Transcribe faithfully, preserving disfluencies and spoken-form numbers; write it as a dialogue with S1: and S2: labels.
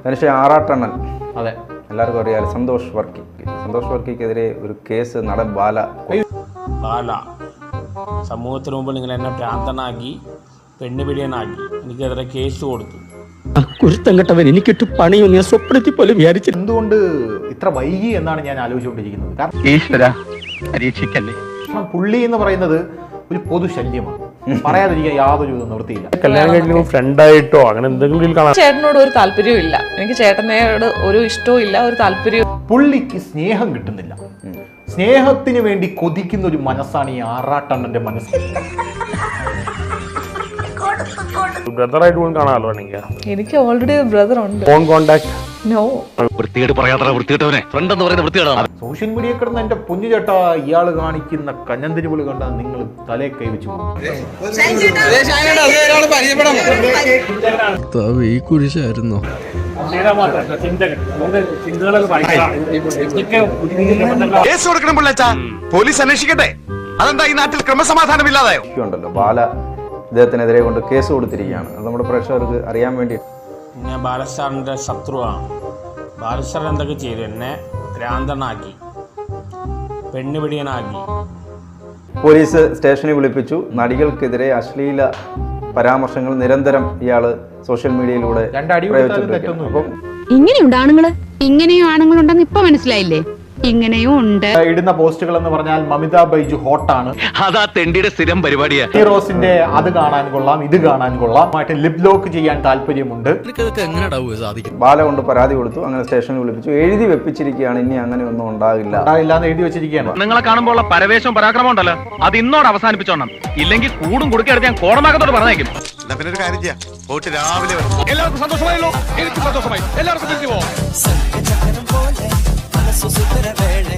S1: മനുഷ്യ ആറാട്ടണ്ണൻ.
S2: അതെ,
S1: എല്ലാവർക്കും അറിയാലോ. സന്തോഷ് വർക്കി സന്തോഷ് വർക്കിക്കെതിരെ ഒരു കേസ് നടൻ ബാല
S3: ബാല സമൂഹത്തിന് മുമ്പിൽ നിങ്ങൾ എന്നെ ഭ്രാന്തനാക്കി പെണ്ണുപിടിയനാക്കി എനിക്കെതിരെ കേസ് കൊടുത്തു.
S4: കുരുത്തങ്കട്ടവൻ എനിക്കിട്ട് പണിയൊന്നും ഞാൻ സ്വപ്നത്തിൽ പോലും വിചാരിച്ചു.
S2: എന്തുകൊണ്ട് ഇത്ര വൈകി എന്നാണ് ഞാൻ ആലോചിച്ചുകൊണ്ടിരിക്കുന്നത്. കാരണം പുള്ളി എന്ന് പറയുന്നത് ഒരു പൊതുശല്യമാണ്, പറയാതിരിക്കാൻ യാതൊരു നിവൃത്തിയില്ല.
S5: കല്യാണം കഴിഞ്ഞ ഫ്രണ്ടായിട്ടോ അങ്ങനെ എന്തെങ്കിലും കാണാം.
S6: ചേട്ടനോട് ഒരു താല്പര്യവും ഇല്ല, എനിക്ക് ചേട്ടനോട് ഒരു ഇഷ്ടവും ഇല്ല, ഒരു താല്പര്യവും.
S2: പുള്ളിക്ക് സ്നേഹം കിട്ടുന്നില്ല. സ്നേഹത്തിന് വേണ്ടി കൊതിക്കുന്ന ഒരു മനസ്സാണ് ഈ ആറാട്ടണ്ണന്റെ മനസ്സ്.
S5: ബ്രദറായിട്ട് പോലും കാണാമല്ലോ.
S6: എനിക്ക് ഓൾറെഡി ഒരു ബ്രദർ ഉണ്ട്.
S5: Phone contact
S6: no.
S2: Social media കിടന്ന് എന്റെ പൊന്നു ചേട്ടാ ഇയാള് കാണിക്കുന്ന കഞ്ഞന്തിരി പൊളി കണ്ടാൽ നിങ്ങൾ തലേ കൈവച്ചു
S4: ഈ കുരിശായിരുന്നോ?
S7: പോലീസ് അന്വേഷിക്കട്ടെ. അതെന്താ ഈ നാട്ടിൽ ക്രമസമാധാനം ഇല്ലാതായോ?
S1: ഉണ്ടല്ലോ, ബാല ഇദ്ദേഹത്തിനെതിരെ കൊണ്ട് കേസ് കൊടുത്തിരിക്കുകയാണ്. അത് നമ്മുടെ പ്രേക്ഷകർക്ക് അറിയാൻ വേണ്ടി.
S3: ഞാൻ ബാലസ്റ്റാറിൻ്റെ ശത്രുവാണ്. ബാലസ്റ്റാർ എന്തൊക്കെ ചെയ്തു? എന്നെ ഭ്രാന്തനാക്കി, പെണ്ണുപിടിയനാക്കി.
S1: പോലീസ് സ്റ്റേഷനിൽ വിളിപ്പിച്ചു. നടികൾക്കെതിരെ അശ്ലീല പരാമർശങ്ങൾ നിരന്തരം ഇയാള് സോഷ്യൽ മീഡിയയിലൂടെ പ്രയോഗിച്ചിട്ടുണ്ട്. അപ്പം
S8: ഇങ്ങനെയുണ്ട് ആണുങ്ങള്, ഇങ്ങനെയും ആണുങ്ങളുണ്ടെന്ന് ഇപ്പൊ മനസ്സിലായില്ലേ? ഇങ്ങനെയും ഉണ്ട്.
S2: ഇടുന്ന പോസ്റ്റുകൾ എന്ന് പറഞ്ഞാൽ മമിത ബൈജു ഹോട്ടാണ്,
S7: അതാ തെണ്ടിയുടെ സ്ഥിരം പരിപാടിയാ.
S2: ഹീറോസിന്റെ അത് കാണാൻ കൊള്ളാം, ഇത് കാണാൻ കൊള്ളാം, ആയിട്ട് ലിപ് ലോക്ക് ചെയ്യാൻ താല്പര്യമുണ്ട്.
S1: ബാല കൊണ്ട് പരാതി കൊടുത്തു. അങ്ങനെ സ്റ്റേഷനിൽ വിളിപ്പിച്ചു. എഴുതി വെപ്പിച്ചിരിക്കുകയാണ്, ഇനി അങ്ങനെ ഒന്നും ഉണ്ടാകില്ല
S2: ഉണ്ടാകില്ല എന്ന് എഴുതി വെച്ചിരിക്കുകയാണ്.
S7: നിങ്ങളെ കാണുമ്പോൾ പരവേശവും പരാക്രമം ഉണ്ടല്ലോ, അത് ഇന്നോട് അവസാനിപ്പിച്ചോണം. ഇല്ലെങ്കിൽ കൂടും കുടുക്കെടുത്ത് ഞാൻ കോടമാകത്തോട് പറഞ്ഞേക്കും. പിന്നെ ഒരു കാര്യം ചെയ്യാം, പോയിട്ട് രാവിലെ എല്ലാവർക്കും സന്തോഷമായല്ലോ. എനിക്ക് സന്തോഷമായി. എല്ലാവർക്കും